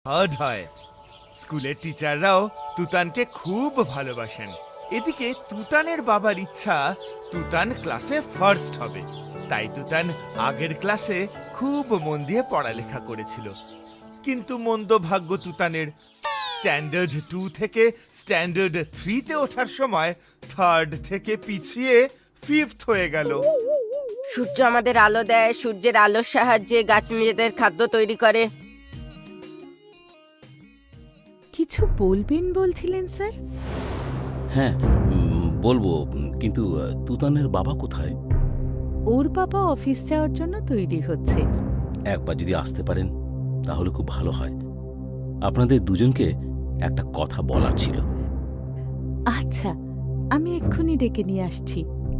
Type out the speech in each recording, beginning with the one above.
Third হয়। স্কুলের টিচাররাও তুতানকে খুব ভালোবাসেন। এদিকে তুতানের বাবার ইচ্ছা তুতান ক্লাসে ফার্স্ট হবে, তাই তুতান আগের ক্লাসে খুব মন দিয়ে পড়ালেখা করেছিল। কিন্তু মন্দ ভাগ্য তুতানের, স্ট্যান্ডার্ড 2 থেকে স্ট্যান্ডার্ড 3-তে ওঠার সময় থার্ড থেকে পিছিয়ে 5th হয়ে গেল। সূর্য আমাদের আলো দেয়, সূর্যের আলোর সাহায্যে গাছ নিজেদের খাদ্য তৈরি করে। কিছু বলবেন বলছিলেন স্যার? হ্যাঁ, বলবো, কিন্তু তুতানের বাবা কোথায়? ওর বাবা অফিস যাওয়ার জন্য তৈরি হচ্ছে। একবার যদি আসতে পারেন তাহলে খুব ভালো হয়। আপনাদের দুজনকে একটা কথা বলার ছিল। আচ্ছা, আমি এক্ষুনি ডেকে নিয়ে আসছি।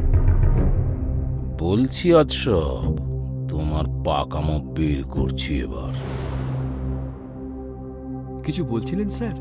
বলছি আজসব, তোমার পাকামো বের করছি এবার। কিছু বলছিলেন স্যার?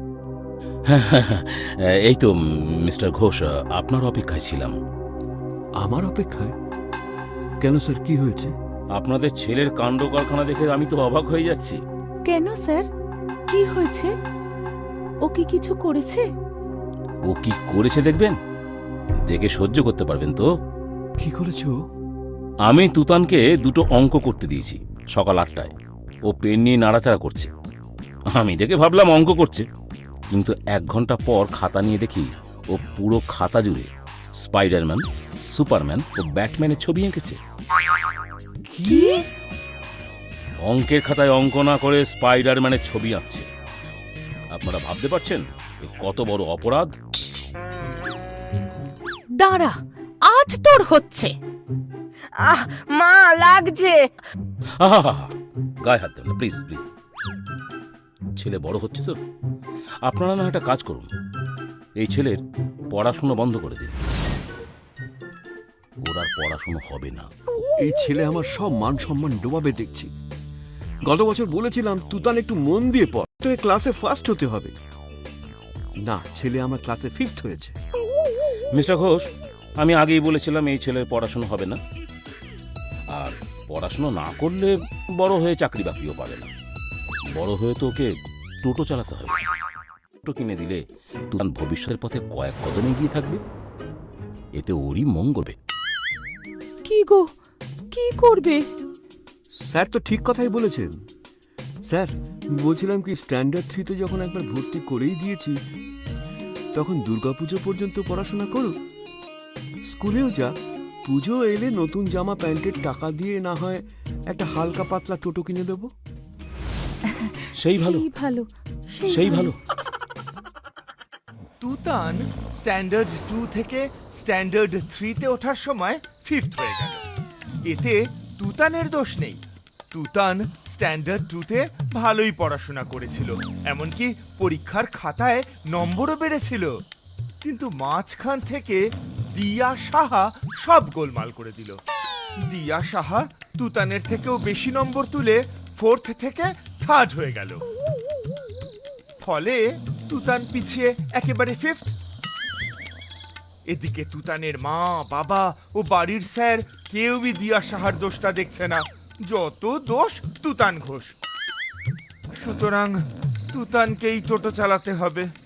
এই তো মিস্টার ঘোষ, আপনার অপেক্ষায় ছিলাম। আমার অপেক্ষায়? কেন স্যার, কি হয়েছে? আপনাদের ছেলের কাণ্ড কারখানা দেখে আমি তো অবাক হয়ে যাচ্ছি। কেন স্যার, কি হয়েছে? ও কি কিছু করেছে? ও কি করেছে দেখবেন, দেখে সহ্য করতে পারবেন তো? কি করেছে ও? আমি তুতানকে দুটো অঙ্ক করতে দিয়েছি সকাল 8টায়। ও পেন নিয়ে নাড়াচাড়া করছে। আমি দেখে ভাবলাম অঙ্ক করছে, কিন্তু 1 ঘন্টা পর খাতা নিয়ে দেখি ও পুরো খাতা জুড়ে স্পাইডারম্যান, সুপারম্যান ও ব্যাটম্যানের ছবি এঁকেছে। কি? অঙ্কের খাতায় অঙ্ক না করে স্পাইডারম্যানের ছবি আঁকছে। আপনারা ভাবতে পারছেন এ কত বড় অপরাধ? দাঁড়া, আজ তোর হচ্ছে। আহ মা, লাগছে। আহা, গায়ে হাত দেবেন না প্লিজ প্লিজ। ছেলে বড় হচ্ছে তো, আপনারা না একটা কাজ করুন, এই ছেলের পড়াশুনো বন্ধ করে দিন। ওর আর পড়াশুনো হবে না। এই ছেলে আমার সব মান সম্মান ডোবাবে দেখছি। গত বছর বলেছিলাম তুতান একটু মন দিয়ে পড়, তোকে ক্লাসে ফার্স্ট হতে হবে। না, ছেলে আমার ক্লাসে 5th হয়েছে। মিস্টার ঘোষ, আমি আগেই বলেছিলাম এই ছেলের পড়াশুনো হবে না, আর পড়াশুনো না করলে বড় হয়ে চাকরি বাকরিও পাবে না। বড় হয়ে তো ওকে টোটো চালাতে হবে। টোটো কিনে দিলে তুতান ভবিষ্যতের পথে কয়েক কদমে এগিয়ে থাকবে, এতে ওরই মঙ্গল হবে। কি গো, কি করবে? স্যার তো ঠিক কথাই বলেছেন। স্যার, বলছিলাম কি, স্ট্যান্ডার্ড 3-তে যখন একবার ভর্তি করেই দিয়েছি, তখন দুর্গাপুজো পর্যন্ত পড়াশোনা করুক, স্কুলেও যা, পুজো এলে নতুন জামা প্যান্টের টাকা দিয়ে না হয় একটা হালকা পাতলা টোটো কিনে দেবো। সেই ভালো, সেই ভালো, সেই ভালো। তুতান স্ট্যান্ডার্ড 2 থেকে স্ট্যান্ডার্ড 3-তে ওঠার সময় 5th হয়ে গেল। এতে তুতানের দোষ নেই। তুতান স্ট্যান্ডার্ড 2-তে ভালোই পড়াশোনা করেছিল, এমনকি পরীক্ষার খাতায় নম্বরও বেড়েছিল। কিন্তু মাঝখান থেকে দিয়া সাহা সব গোলমাল করে দিল। দিয়া সাহা তুতানের থেকেও বেশি নম্বর তুলে 4th থেকে 3rd হয়ে গেল। ফলে তুতান পিছিয়ে একেবারে 5th। এদিকে তুতানের মা, বাবা ও বাড়ির স্যার কেউই দিয়া সাহার দোষটা দেখছে না, যত দোষ তুতান ঘোষ। সুতরাং তুতানকেই টোটো চালাতে হবে।